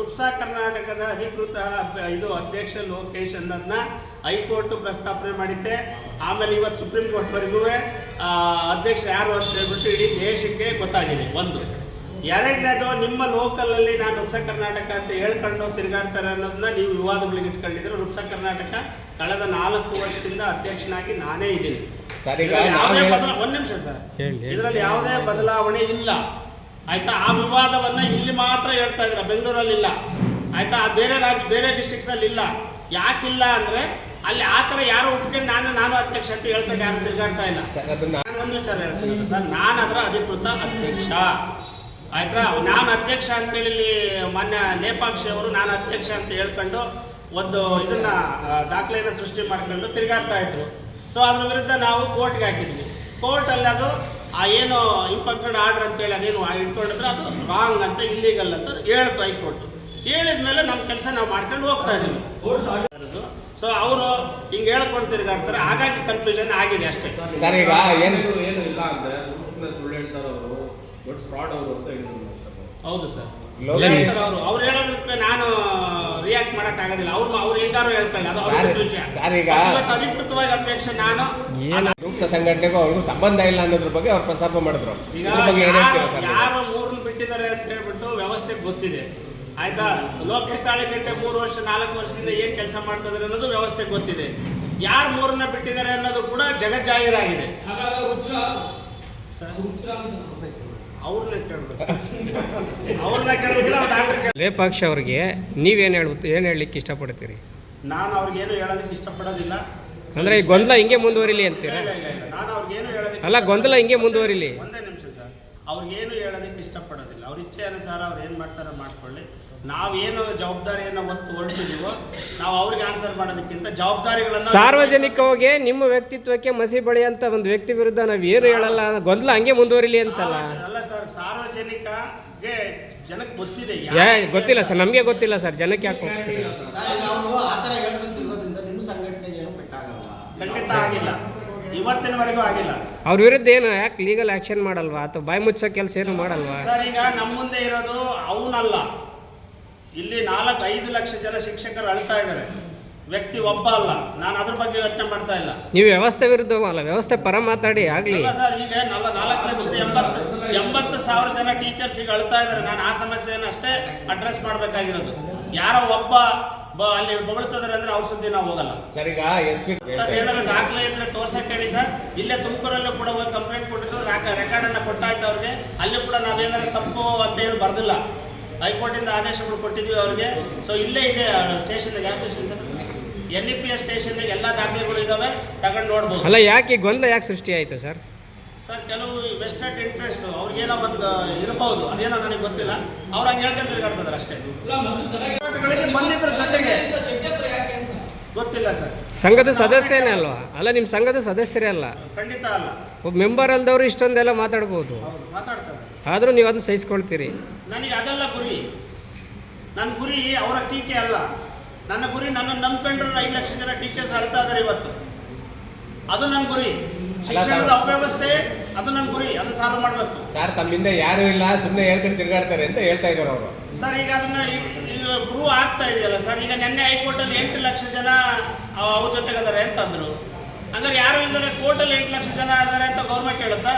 ರುಪ್ಸಾ ಕರ್ನಾಟಕದ ಅಧಿಕೃತ ಇದು ಅಧ್ಯಕ್ಷ ಲೋಕೇಶ್ ಅನ್ನೋದನ್ನ ಹೈಕೋರ್ಟ್ ಪ್ರಸ್ತಾಪನೆ ಮಾಡಿದ್ದೆ. ಆಮೇಲೆ ಇವತ್ತು ಸುಪ್ರೀಂ ಕೋರ್ಟ್ವರೆಗೂ ಅಧ್ಯಕ್ಷ ಯಾರು ಅಂತ ಹೇಳ್ಬಿಟ್ಟು ಇಡೀ ದೇಶಕ್ಕೆ ಗೊತ್ತಾಗಿದೆ. ಒಂದು. ಎರಡನೇದು, ನಿಮ್ಮ ಲೋಕಲಲ್ಲಿ ನಾನು ರುಪ್ಸಾ ಕರ್ನಾಟಕ ಅಂತ ಹೇಳ್ಕೊಂಡು ತಿರುಗಾಡ್ತಾರೆ ಅನ್ನೋದನ್ನ ನೀವು ವಿವಾದಗಳಿಗೆ ಇಟ್ಕೊಂಡಿದ್ರೆ, ರುಪ್ಸಾ ಕರ್ನಾಟಕ ಕಳೆದ 4 ವರ್ಷದಿಂದ ಅಧ್ಯಕ್ಷನಾಗಿ ನಾನೇ ಇದ್ದೀನಿ. ಒಂದು ನಿಮಿಷ ಸರ್, ಇದರಲ್ಲಿ ಯಾವುದೇ ಬದಲಾವಣೆ ಇಲ್ಲ ಆಯ್ತಾ. ಆ ವಿವಾದವನ್ನ ಇಲ್ಲಿ ಮಾತ್ರ ಹೇಳ್ತಾ ಇದ್ರ, ಬೆಂಗಳೂರಲ್ಲಿ ಇಲ್ಲ ಆಯ್ತಾ. ಬೇರೆ ಡಿಸ್ಟ್ರಿಕ್ಟ್ಸ್ ಅಲ್ಲಿ ಇಲ್ಲ. ಯಾಕಿಲ್ಲ ಅಂದ್ರೆ ಅಲ್ಲಿ ಆ ಥರ ಯಾರು ಉಟ್ಕೊಂಡು ನಾನು ಅಧ್ಯಕ್ಷ ಅಂತ ಹೇಳ್ಕೊಂಡು ಯಾರು ತಿರುಗಾಡ್ತಾ ಇಲ್ಲ. ನಾನು ಒಂದು ವಿಚಾರ ಹೇಳ್ತೀನಿ ಸರ್, ನಾನು ಅದರ ಅಧಿಕೃತ ಅಧ್ಯಕ್ಷ ಆಯ್ತಾ. ನಾನು ಅಧ್ಯಕ್ಷ ಅಂತೇಳಿ ಇಲ್ಲಿ ಮಾನ್ಯ ನೇಪಾಕ್ಷಿ ಅವರು ನಾನು ಅಧ್ಯಕ್ಷ ಅಂತ ಹೇಳ್ಕೊಂಡು ಒಂದು ಇದನ್ನ ದಾಖಲೆಯನ್ನು ಸೃಷ್ಟಿ ಮಾಡ್ಕೊಂಡು ತಿರುಗಾಡ್ತಾ ಇದ್ರು. ಸೊ ಅದ್ರ ವಿರುದ್ಧ ನಾವು ಕೋರ್ಟ್ಗೆ ಹಾಕಿದ್ವಿ. ಕೋರ್ಟಲ್ಲಿ ಅದು ಏನು ಇಂಪಕ್ಟೆಡ್ ಆರ್ಡರ್ ಅಂತೇಳಿ ಅದೇನು ಇಟ್ಕೊಂಡಿದ್ರೆ ಅದು ರಾಂಗ್ ಅಂತ, ಇಲ್ಲೀಗಲ್ ಅಂತ ಹೇಳ್ತು ಹೈಕೋರ್ಟ್. ಹೇಳಿದ ಮೇಲೆ ನಮ್ಮ ಕೆಲಸ ನಾವು ಮಾಡ್ಕೊಂಡು ಹೋಗ್ತಾ ಇದ್ದೀವಿ. ಸೊ ಅವರು ಹಿಂಗೆ ಹೇಳ್ಕೊಂಡು ತಿರುಗಾಡ್ತಾರೆ, ಹಾಗಾಗಿ ಕನ್ಫ್ಯೂಷನ್ ಆಗಿದೆ ಅಷ್ಟೇ ಸರ್. ಈಗ ಏನು ಇಲ್ಲ ಅಂದ್ರೆ ಸುಳ್ಳು ಹೇಳ್ತಾರೆ ಅವರು, ದೊಡ್ಡ ಫ್ರಾಡ್ ಅವರು ಅಂತ ಹೇಳಿದ್ರು. ಹೌದು ಸರ್, ಅವ್ರು ಹೇಳೋದಕ್ಕೆ ನಾನು ರಿಯಾಕ್ಟ್ ಮಾಡಕ್ ಆಗೋದಿಲ್ಲ. ಅವ್ರು ಹೇಗಾರು ಹೇಳ್ಕೊಳ್ಳಿ, ಅದು ಅಧಿಕೃತವಾಗಿ ಅಧ್ಯಕ್ಷ ನಾನು. ರುಪ್ಸಾ ಸಂಘಟನೆಗೂ ಅವ್ರಿಗೂ ಸಂಬಂಧ ಇಲ್ಲ ಅನ್ನೋದ್ರ ಬಗ್ಗೆ ಅವ್ರು ಪ್ರಸ್ತಾಪ ಮಾಡಿದ್ರು. ಯಾರು 3 ಬಿಟ್ಟಿದ್ದಾರೆ ಅಂತ ಹೇಳ್ಬಿಟ್ಟು ವ್ಯವಸ್ಥೆಗೆ ಗೊತ್ತಿದೆ ಆಯ್ತಾ. ಲೋಕೇಶ್ ತಾಳಿಕಟ್ಟೆ 3 ವರ್ಷ 4 ವರ್ಷದಿಂದ ಏನ್ ಕೆಲಸ ಮಾಡ್ತಿದ್ದಾರೆ ಅನ್ನೋದು ವ್ಯವಸ್ಥೆಗೆ ಗೊತ್ತಿದೆ. ಯಾರು 3 ಬಿಟ್ಟಿದ್ದಾರೆ ಅನ್ನೋದು ಕೂಡ ಜಗಜ್ಜಾಹೀರಾಗಿದೆ. ಲೇಪಾಕ್ಷ ಅವ್ರಿಗೆ ನೀವೇನು ಹೇಳಲಿಕ್ಕೆ ಇಷ್ಟಪಡ್ತೀರಿ? ನಾನು ಅವ್ರಿಗೇನು ಹೇಳೋದಕ್ಕೆ ಇಷ್ಟಪಡೋದಿಲ್ಲ. ಅಂದ್ರೆ ಈ ಗೊಂದಲ ಹಿಂಗೆ ಮುಂದುವರಿಲಿ ಅಂತೀರಾ? ನಾನು ಅವ್ರಿಗೇನು ಹೇಳೋದಕ್ಕೆ ಅಲ್ಲ, ಗೊಂದಲ ಹಿಂಗೆ ಮುಂದುವರಿಲಿ. ಒಂದೇ ನಿಮಿಷ ಸರ್, ಅವ್ರಿಗೇನು ಹೇಳೋದಕ್ಕೆ ಇಷ್ಟಪಡೋದಿಲ್ಲ. ಅವ್ರ ಇಚ್ಛೆ ಅನುಸಾರ ಅವ್ರು ಏನು ಮಾಡ್ತಾರೋ ಮಾಡ್ಕೊಳ್ಳಿ. ನಾವೇನು ಜವಾಬ್ದಾರಿಯನ್ನು ಹೊರಟಿದ್ದೀವೋ ನಾವು ಅವ್ರಿಗೆ ಆನ್ಸರ್ ಮಾಡೋದಕ್ಕಿಂತ ಜವಾಬ್ದಾರಿಗಳನ್ನು ಸಾರ್ವಜನಿಕವಾಗಿ ನಿಮ್ಮ ವ್ಯಕ್ತಿತ್ವಕ್ಕೆ ಮಸಿ ಬಳಿಯಂತ ಒಂದು ವ್ಯಕ್ತಿ ವಿರುದ್ಧ ನಾವು ಏನು ಹೇಳಲ್ಲ, ಗೊಂದಲ ಹಂಗೆ ಮುಂದುವರಿಲಿ ಅಂತಲ್ಲ. ಅಲ್ಲ ಸರ್, ಸಾರ್ವಜನಿಕಗೆ ಜನಕ್ಕೆ ಗೊತ್ತಿದೆ. ಗೊತ್ತಿಲ್ಲ ಸರ್, ನಮಗೆ ಗೊತ್ತಿಲ್ಲ ಸರ್, ಜನಕ್ಕೆ ಯಾಕೆ ಹೋಗ್ತೀವಿ? ಖಂಡಿತ ಆಗಿಲ್ಲ, ಇವತ್ತಿನವರೆಗೂ ಆಗಿಲ್ಲ. ಅವ್ರ ವಿರುದ್ಧ ಏನು ಯಾಕೆ ಲೀಗಲ್ ಆಕ್ಷನ್ ಮಾಡಲ್ವಾ, ಅಥವಾ ಬಾಯಿ ಮುಚ್ಚೋ ಕೆಲಸ ಏನು ಮಾಡಲ್ವಾ? ಸರ್, ಈಗ ನಮ್ಮ ಮುಂದೆ ಇರೋದು ಅವನಲ್ಲ, ಇಲ್ಲಿ 4-5 ಲಕ್ಷ ಜನ ಶಿಕ್ಷಕರು ಅಳ್ತಾ ಇದ್ದಾರೆ. ವ್ಯಕ್ತಿ ಒಬ್ಬ ಅಲ್ಲ. ನಾನು ಅದ್ರ ಬಗ್ಗೆ ಯೋಚನೆ ಮಾಡ್ತಾ ಇಲ್ಲ. ನೀವು ವ್ಯವಸ್ಥೆ ವಿರುದ್ಧ ಅಲ್ಲ, ವ್ಯವಸ್ಥೆ ಪರ ಮಾತಾಡಿ ಆಗ್ಲಿ ಸರ್. ಈಗ 4,80,000 ಜನ ಟೀಚರ್ಸ್ ಈಗ ಅಳ್ತಾ ಇದ್ದಾರೆ. ನಾನು ಆ ಸಮಸ್ಯೆಯನ್ನು ಅಷ್ಟೇ ಅಡ್ರೆಸ್ ಮಾಡಬೇಕಾಗಿರೋದು. ಯಾರೋ ಒಬ್ಬ ಅಲ್ಲಿ ಬೊಗಳ್ತಿದ್ದಾರೆ ಅಂದ್ರೆ ಅವ್ರ ಸುದ್ದಿ ನಾವು ಹೋಗಲ್ಲ ಸರ್. ಈಗ ಏನಾದ್ರು ದಾಖಲೆ ಇದ್ರೆ ತೋರ್ಸಕ್ಕೆ ಹೇಳಿ ಸರ್. ಇಲ್ಲೇ ತುಮಕೂರಲ್ಲೂ ಕೂಡ ಹೋಗಿ ಕಂಪ್ಲೇಂಟ್ ಕೊಟ್ಟಿದ್ದು, ರೆಕಾರ್ಡ್ ಅನ್ನ ಕೊಟ್ಟಾಯ್ತು ಅವ್ರಿಗೆ. ಅಲ್ಲಿ ಕೂಡ ನಾವೇನಾದ್ರು ತಪ್ಪು ಅಂತ ಏನು ಬರ್ದಿಲ್ಲ. ಹೈಕೋರ್ಟಿಂದ ಆದೇಶಗಳು ಕೊಟ್ಟಿದ್ವಿ ಅವ್ರಿಗೆ. ಸೊ ಇಲ್ಲೇ ಇದೆ ಸ್ಟೇಷನ್, ಯಾವ ಸ್ಟೇಷನ್ ಸರ್? NEPS ಸ್ಟೇಷನ್ ಎಲ್ಲ ದಾಖಲೆಗಳು ಇದಾವೆ, ತಗೊಂಡು ನೋಡ್ಬೋದು. ಅಲ್ಲ, ಯಾಕೆ ಗೊಂದಲ ಯಾಕೆ ಸೃಷ್ಟಿ ಆಯ್ತು ಸರ್? ಸರ್, ಕೆಲವು ವೆಸ್ಟೆಡ್ ಇಂಟ್ರೆಸ್ಟ್ ಅವ್ರಿಗೇನೋ ಒಂದು ಇರಬಹುದು, ಅದೇನೋ ನನಗೆ ಗೊತ್ತಿಲ್ಲ. ಅವ್ರು ಹಂಗೆ ಹೇಳ್ಕೊಂಡು ತಿರುಗಾಡ್ತಿದ್ದಾರೆ ಅಷ್ಟೇ. ಬಂದಿದ್ರ ಜೊತೆಗೆ ಗೊತ್ತಿಲ್ಲ ಸರ್. ಸಂಘದ ಸದಸ್ಯನೇ ಅಲ್ವಾ? ಅಲ್ಲ, ನಿಮ್ಮ ಸಂಘದ ಸದಸ್ಯರೇ ಅಲ್ಲ. ಖಂಡಿತ ಅಲ್ಲ. ಒಬ್ಬ ಮೆಂಬರ್ ಅಲ್ದವ್ರು ಇಷ್ಟೊಂದೆಲ್ಲ ಮಾತಾಡ್ಬೋದು, ಮಾತಾಡ್ತಾರೆ. ಆದರೂ ನೀವು ಅದನ್ನ ಸಹಿಸ್ಕೊಳ್ತೀರಿ. ನನಗೆ ಅದೆಲ್ಲ ಗುರಿ. ನನ್ನ ಗುರಿ ಅವರ ಟೀಕೆ ಅಲ್ಲ. ನನ್ನ ಗುರಿ ನನ್ನನ್ನು ನಂಬ್ಕೊಂಡ್ರೆ 5 ಲಕ್ಷ ಜನ ಟೀಚರ್ಸ್ ಅಳ್ತಾ ಇದ್ದಾರೆ ಇವತ್ತು. ಅದು ನನ್ನ ಗುರಿ. ಶಿಕ್ಷಣದ ಅವ್ಯವಸ್ಥೆ ಅದು ನನ್ನ ಗುರಿ. ಅದನ್ನ ಸಾಲ್ವ್ ಮಾಡಬೇಕು ಸರ್. ತಮ್ಮಿಂದ ಯಾರು ಇಲ್ಲ, ಸುಮ್ಮನೆ ಹೇಳ್ಕೊಂಡು ತಿರುಗಾಡ್ತಾರೆ ಅಂತ ಹೇಳ್ತಾ ಇದ್ದಾರೆ ಅವರು. ಸರ್, ಈಗ ಅದನ್ನ ಪ್ರೂವ್ ಆಗ್ತಾ ಇದೆಯಲ್ಲ ಸರ್. ಈಗ ನಿನ್ನೆ ಹೈಕೋರ್ಟಲ್ಲಿ 8 ಲಕ್ಷ ಜನ ಅವ್ರ ಜೊತೆಗಿದ್ದಾರೆ ಅಂತಂದ್ರು. ಅಂದ್ರೆ ಯಾರು ಇಲ್ಲದೆ ಕೋರ್ಟಲ್ಲಿ 8 ಲಕ್ಷ ಜನ ಇದ್ದಾರೆ ಅಂತ ಗೌರ್ಮೆಂಟ್ ಹೇಳುತ್ತಾ?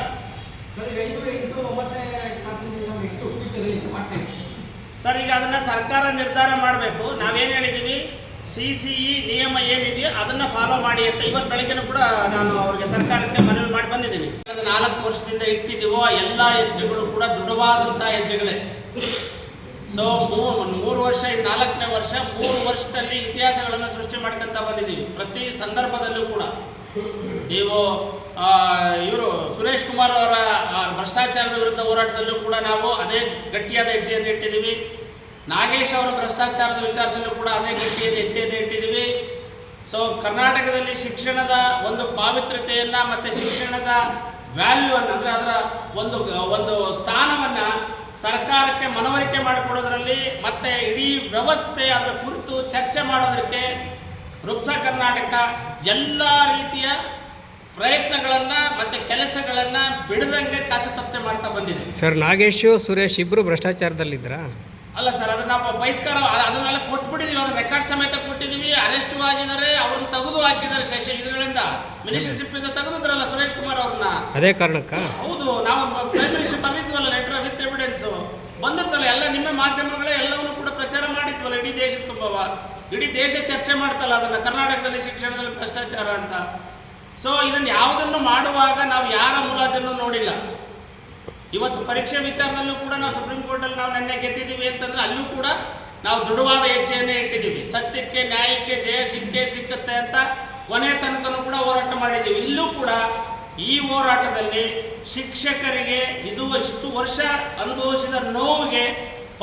ಸರ್, ಈಗ ಅದನ್ನ ಸರ್ಕಾರ ನಿರ್ಧಾರ ಮಾಡಬೇಕು. ನಾವೇನು ಹೇಳಿದ್ದೀವಿ, CCE ನಿಯಮ ಏನಿದೆಯೋ ಅದನ್ನ ಫಾಲೋ ಮಾಡಿ ಅಂತ ಇವತ್ತು ಬೆಳಗ್ಗೆನೂ ಕೂಡ ನಾನು ಅವ್ರಿಗೆ ಸರ್ಕಾರಕ್ಕೆ ಮನವಿ ಮಾಡಿ ಬಂದಿದ್ದೀನಿ. 4 ವರ್ಷದಿಂದ ಇಟ್ಟಿದ್ದೀವೋ ಎಲ್ಲ ಹೆಜ್ಜೆಗಳು ಕೂಡ ದೃಢವಾದಂತಹ ಹೆಜ್ಜೆಗಳೇ. ಸೊ 3 ವರ್ಷ, 4ನೇ ವರ್ಷ, 3 ವರ್ಷದಲ್ಲಿ ಇತಿಹಾಸಗಳನ್ನು ಸೃಷ್ಟಿ ಮಾಡ್ಕೊಂತ ಬಂದಿದ್ದೀವಿ. ಪ್ರತಿ ಸಂದರ್ಭದಲ್ಲೂ ಕೂಡ ನೀವು ಇವರು ಸುರೇಶ್ ಕುಮಾರ್ ಅವರ ಭ್ರಷ್ಟಾಚಾರದ ವಿರುದ್ಧ ಹೋರಾಟದಲ್ಲೂ ಕೂಡ ನಾವು ಅದೇ ಗಟ್ಟಿಯಾದ ಹೆಜ್ಜೆಯನ್ನು ಇಟ್ಟಿದ್ದೀವಿ. ನಾಗೇಶ್ ಅವರ ಭ್ರಷ್ಟಾಚಾರದ ವಿಚಾರದಲ್ಲೂ ಕೂಡ ಅದೇ ಗಟ್ಟಿಯಾದ ಹೆಜ್ಜೆಯನ್ನು ಇಟ್ಟಿದ್ದೀವಿ. ಸೊ ಕರ್ನಾಟಕದಲ್ಲಿ ಶಿಕ್ಷಣದ ಒಂದು ಪಾವಿತ್ರ್ಯತೆಯನ್ನು ಮತ್ತು ಶಿಕ್ಷಣದ ವ್ಯಾಲ್ಯೂವನ್ನು, ಅಂದರೆ ಅದರ ಒಂದು ಸ್ಥಾನವನ್ನು ಸರ್ಕಾರಕ್ಕೆ ಮನವರಿಕೆ ಮಾಡಿಕೊಡೋದ್ರಲ್ಲಿ ಮತ್ತು ಇಡೀ ವ್ಯವಸ್ಥೆ ಅದರ ಕುರಿತು ಚರ್ಚೆ ಮಾಡೋದಕ್ಕೆ ರುಪ್ಸಾ ಕರ್ನಾಟಕ ಎಲ್ಲ ರೀತಿಯ ಪ್ರಯತ್ನಗಳನ್ನು ಮತ್ತು ಕೆಲಸಗಳನ್ನು ಬಿಡದಂಗೆ ಚಾಚು ತಪ್ಪದೆ ಮಾಡ್ತಾ ಬಂದಿದೆ. ಸರ್, ನಾಗೇಶು ಸುರೇಶ್ ಇಬ್ಬರು ಭ್ರಷ್ಟಾಚಾರದಲ್ಲಿದ್ರಾ? ಅಲ್ಲ ಸರ್, ಅದನ್ನ ನಾವು ಬಹಿಷ್ಕಾರ ಅದನ್ನೆಲ್ಲ ಕೊಟ್ಬಿಟ್ಟಿದೀವಿ, ಅದನ್ನ ರೆಕಾರ್ಡ್ ಸಮೇತ ಕೊಟ್ಟಿದೀವಿ. ಅರೆಸ್ಟ್ ಆಗಿದ್ದಾರೆ, ಅವ್ರನ್ನ ತೆಗೆದು ಹಾಕಿದ್ದಾರೆ ಇದರಿಂದ ಮಿನಿಸ್ಟರ್ಶಿಪ್ ಇಂದ ತೆಗೆದಿದ್ರಲ್ಲ ಸುರೇಶ್ ಕುಮಾರ್ ಅವ್ರನ್ನ. ಅದೇ ಕಾರಣಕ್ಕ ಹೌದು, ನಾವು ಪ್ರೈಮ್ ಮಿನಿಸ್ಟರ್ ಬರ್ದಿದ್ವಲ್ಲ ಲೆಟರ್ ವಿತ್ ಎವಿಡೆನ್ಸ್ ಬಂದಿತ್ತಲ್ಲ, ಎಲ್ಲ ನಿಮ್ಮ ಮಾಧ್ಯಮಗಳೇ ಎಲ್ಲವನ್ನೂ ಕೂಡ ಪ್ರಚಾರ ಮಾಡಿದ್ವಲ್ಲ ಇಡೀ ದೇಶ ತುಂಬವ. ಇಡೀ ದೇಶ ಚರ್ಚೆ ಮಾಡ್ತಲ್ಲ ಅದನ್ನ, ಕರ್ನಾಟಕದಲ್ಲಿ ಶಿಕ್ಷಣದಲ್ಲಿ ಭ್ರಷ್ಟಾಚಾರ ಅಂತ. ಸೊ ಇದನ್ನ ಯಾವುದನ್ನು ಮಾಡುವಾಗ ನಾವು ಯಾರ ಮುಲಾಜನ್ನು ನೋಡಿಲ್ಲ. ಇವತ್ತು ಪರೀಕ್ಷೆ ವಿಚಾರದಲ್ಲೂ ಕೂಡ ನಾವು ಸುಪ್ರೀಂ ಕೋರ್ಟಲ್ಲಿ ನಾವು ನೆನ್ನೆ ಗೆದ್ದಿದ್ದೀವಿ ಅಂತಂದ್ರೆ ಅಲ್ಲೂ ಕೂಡ ನಾವು ದೃಢವಾದ ಹೆಜ್ಜೆಯನ್ನೇ ಇಟ್ಟಿದ್ದೀವಿ. ಸತ್ಯಕ್ಕೆ ನ್ಯಾಯಕ್ಕೆ ಜಯ ಸಿಕ್ಕತ್ತೆ ಅಂತ ಕೊನೆ ತನಕನೂ ಕೂಡ ಹೋರಾಟ ಮಾಡಿದ್ದೀವಿ. ಇಲ್ಲೂ ಕೂಡ ಈ ಹೋರಾಟದಲ್ಲಿ ಶಿಕ್ಷಕರಿಗೆ ಇಷ್ಟು ವರ್ಷ ಅನುಭವಿಸಿದ ನೋವಿಗೆ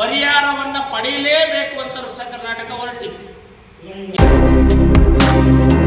ಪರಿಹಾರವನ್ನು ಪಡೆಯಲೇಬೇಕು ಅಂತ ಕರ್ನಾಟಕ ಹೊರಟಿತ್ತು.